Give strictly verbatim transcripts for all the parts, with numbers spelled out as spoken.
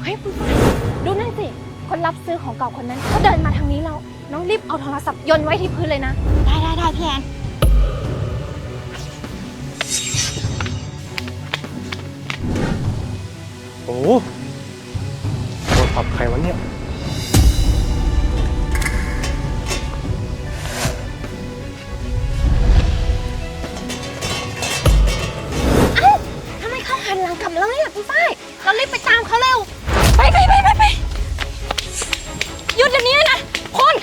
เฮ้ยคุณฝ้ายดูนั่นสิคนรับซื้อของเก่าคนนั้นก็เดินมาทางนี้แล้วน้องรีบเอาโทรศัพท์โยนไว้ที่พื้นเลยนะได้ได้ได้พี่แอนโอ้โหโทรศัพท์ใครวะเนี่ยทำไมเขาหันหลังกลับแล้วเนี่ยพี่ฝ้ายเรารีบไปตามเขาเร็วไปไปไปไปไปหยุดเดี๋ยวนี้นะคุณ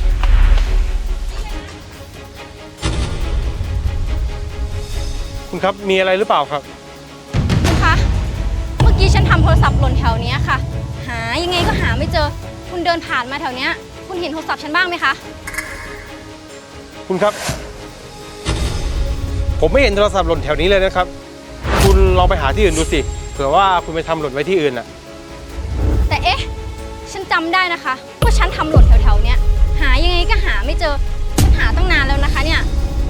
คุณครับมีอะไรหรือเปล่าครับคุณคะเมื่อกี้ฉันทำโทรศัพท์หล่นแถวนี้ค่ะหายังไงก็หาไม่เจอคุณเดินผ่านมาแถวนี้คุณเห็นโทรศัพท์ฉันบ้างไหมคะคุณครับผมไม่เห็นโทรศัพท์หล่นแถวนี้เลยนะครับคุณลองไปหาที่อื่นดูสิเผื่อว่าคุณไปทำหล่นไว้ที่อื่นน่ะแต่เอ๊ะฉันจำได้นะคะว่าฉันทำหล่นแถวๆนี้หายังไงก็หาไม่เจอฉันหาตั้งนานแล้วนะคะเนี่ย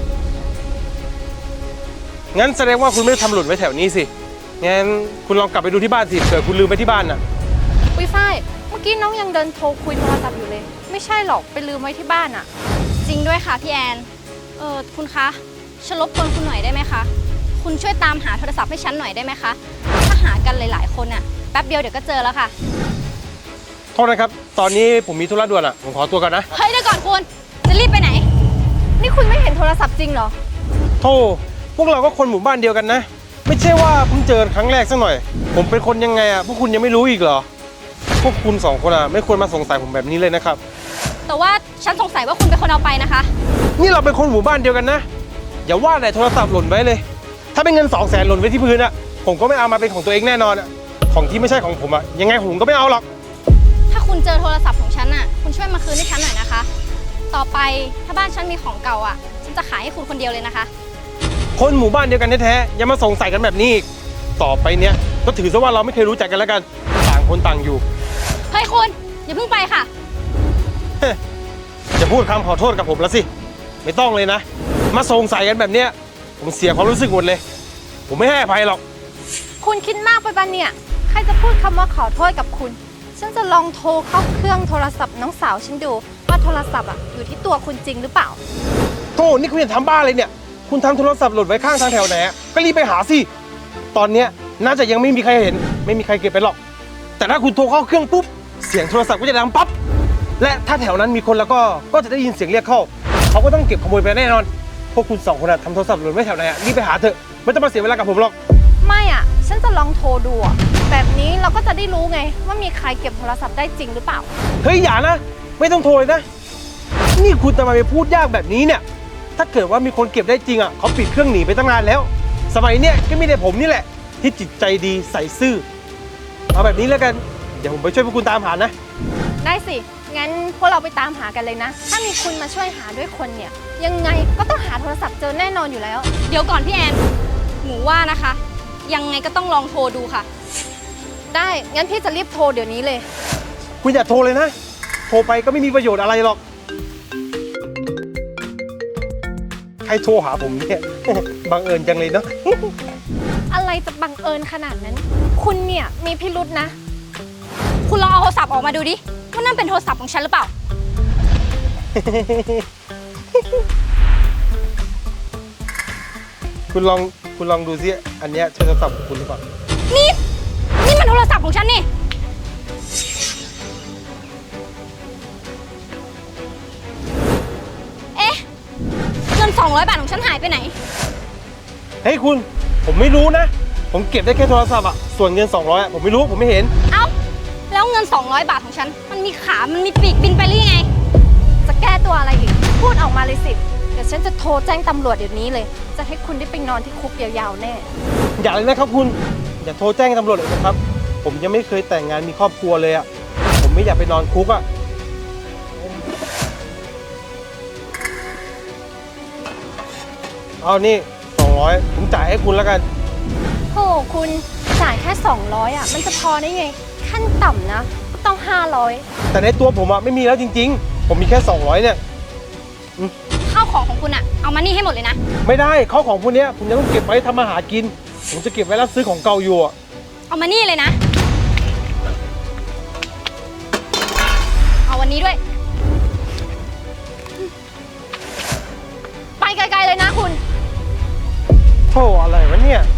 งั้นแสดงว่าคุณไม่ได้ทำหล่นไว้แถวนี้สิงั้นคุณลองกลับไปดูที่บ้านสิเผื่อคุณลืมไว้ที่บ้านน่ะปุ้ยฝ้ายเมื่อกี้น้องยังเดินโทรคุยโทรศัพท์อยู่เลยไม่ใช่หรอกไปลืมไว้ที่บ้านอะจริงด้วยค่ะพี่แอนเออคุณคะฉันรบกวนคุณหน่อยได้ไหมคะคุณช่วยตามหาโทรศัพท์ให้ฉันหน่อยได้ไหมคะถ้าหากันหลายๆคนอะแป๊บเดียวเดี๋ยวก็เจอแล้วค่ะโทษนะครับตอนนี้ผมมีธุระด่วนอ่ะผมขอตัวก่อนนะเฮ้ยเดี๋ยวก่อนคุณจะรีบไปไหนนี่คุณไม่เห็นโทรศัพท์จริงเหรอโธ่พวกเราก็คนหมู่บ้านเดียวกันนะไม่ใช่ว่าเพิ่งเจอครั้งแรกสักหน่อยผมเป็นคนยังไงอ่ะพวกคุณยังไม่รู้อีกเหรอพวกคุณสองคนอ่ะไม่ควรมาสงสัยผมแบบนี้เลยนะครับแต่ว่าฉันสงสัยว่าคุณเป็นคนเอาไปนะคะนี่เราเป็นคนหมู่บ้านเดียวกันนะอย่าว่าแต่โทรศัพท์หล่นไว้เลยถ้าเป็นเงินสองแสนหล่นไว้ที่พื้นอ่ะผมก็ไม่เอามาเป็นของตัวเองแน่นอนอ่ะของที่ไม่ใช่ของผมอ่ะยังไงผมก็ไม่เอาหรอกถ้าคุณเจอโทรศัพท์ของฉันอ่ะคุณช่วยมาคืนให้ฉันหน่อยนะคะต่อไปถ้าบ้านฉันมีของเก่าอ่ะฉันจะขายให้คุณคนเดียวเลยนะคะคนหมู่บ้านเดียวกันแท้ๆอย่ามาสงสัยกันแบบนี้อีกต่อไปเนี้ยก็ถือซะว่าเราไม่เคยรู้จักกันแล้วกันต่างคนต่างอยู่เฮ้ยคุณอย่าเพิ่งไปค่ะจะพูดคำขอโทษกับผมแล้วสิไม่ต้องเลยนะมาสงสัยกันแบบเนี้ยผมเสียความรู้สึกหมดเลยผมไม่ให้อภัยหรอกคุณคิดมากไปบ้านเนี่ยใครจะพูดคำว่าขอโทษกับคุณฉันจะลองโทรเข้าเครื่องโทรศัพท์น้องสาวฉันดูว่าโทรศัพท์อ่ะอยู่ที่ตัวคุณจริงหรือเปล่าโธ่นี่คุณจะทำบ้าอะไรเนี่ยคุณทำโทรศัพท์หล่นไว้ข้างทางแถวไหนก็รีบไปหาสิตอนเนี้ยน่าจะยังไม่มีใครเห็นไม่มีใครเก็บไปหรอกแต่ถ้าคุณโทรเข้าเครื่องปุ๊บเสียงโทรศัพท์ก็จะดังปั๊บและถ้าแถวนั้นมีคนแล้วก็ก็จะได้ยินเสียงเรียกเข้าเขาก็ต้องเก็บขโมยไปแน่นอนพวกคุณสองคนทำโทรศัพท์หล่นไว้แถวไหนรีบไปหาเถอะไม่ต้องมาเสียเวลากับผมหรอกไม่อ่ะฉันจะลองโทรดูอ่ะแบบนี้เราก็จะได้รู้ไงว่ามีใครเก็บโทรศัพท์ได้จริงหรือเปล่าเฮ้ยอย่านะไม่ต้องโทรเลยนะนี่คุณจะมาไปพูดยากแบบนี้เนี่ยถ้าเกิดว่ามีคนเก็บได้จริงอ่ะเขาปิดเครื่องหนีไปตั้งนานแล้วสมัยเนี้ยก็มีแต่ผมนี่แหละที่จิตใจดีใส่ซื่อเอาแบบนี้แล้วกันเดี๋ยวผมไปช่วยพวกคุณตามหานะได้สิงั้นพวกเราไปตามหากันเลยนะถ้ามีคุณมาช่วยหาด้วยคนเนี่ยยังไงก็ต้องหาโทรศัพท์เจอแน่นอนอยู่แล้วเดี๋ยวก่อนพี่แอนหนูว่านะคะยังไงก็ต้องลองโทรดูค่ะได้งั้นพี่จะรีบโทรเดี๋ยวนี้เลยคุณอย่าโทรเลยนะโทรไปก็ไม่มีประโยชน์อะไรหรอกใครโทรหาผมเนี่ยบังเอิญจังเลยเนาะอะไรจะบังเอิญขนาดนั้นคุณเนี่ยมีพิรุธนะคุณลองเอาโทรศัพท์ออกมาดูดิว่านั่นเป็นโทรศัพท์ของฉันหรือเปล่าคุณลองคุณลองดูซิอันเนี้ยใช่โทรศัพท์ของคุณหรือเปล่านี่นี่มันโทรศัพท์ของฉันนี่เอ๊ะเงินสองร้อยบาทของฉันหายไปไหนเฮ้ยคุณผมไม่รู้นะผมเก็บได้แค่โทรศัพท์อ่ะส่วนเงินสองร้อยอ่ะผมไม่รู้ผมไม่เห็นเอ้าแล้วเงินสองร้อยบาทของฉันมันมีขามันมีปีกบินไปหรือยังไงจะแก้ตัวอะไรอีกพูดออกมาเลยสิเดี๋ยวฉันจะโทรแจ้งตำรวจเดี๋ยวนี้เลยจะให้คุณได้ไปนอนที่คุกยาวๆแน่อย่าเลยนะครับคุณอย่าโทรแจ้งตำรวจเลยนะครับผมยังไม่เคยแต่งงานมีครอบครัวเลยอ่ะผมไม่อยากไปนอนคุกอ่ะเอานี่สองร้อยผมจ่ายให้คุณแล้วกันโอ้คุณจ่ายแค่สองร้อยอ่ะมันจะพอได้ไงขั้นต่ำนะต้องห้าร้อยแต่ในตัวผมอ่ะไม่มีแล้วจริงๆผมมีแค่สองร้อยเนี่ยข้าวของของคุณอ่ะเอามานี่ให้หมดเลยนะไม่ได้ข้าวของพวกนี้ผมจะต้องเก็บไว้ทำอาหารกินผมจะเก็บไว้แล้วซื้อของเก่าอยู่อ่ะเอามานี่เลยนะเอาวันนี้ด้วยไปไกลๆเลยนะคุณโธ่อะไรวะเนี่ย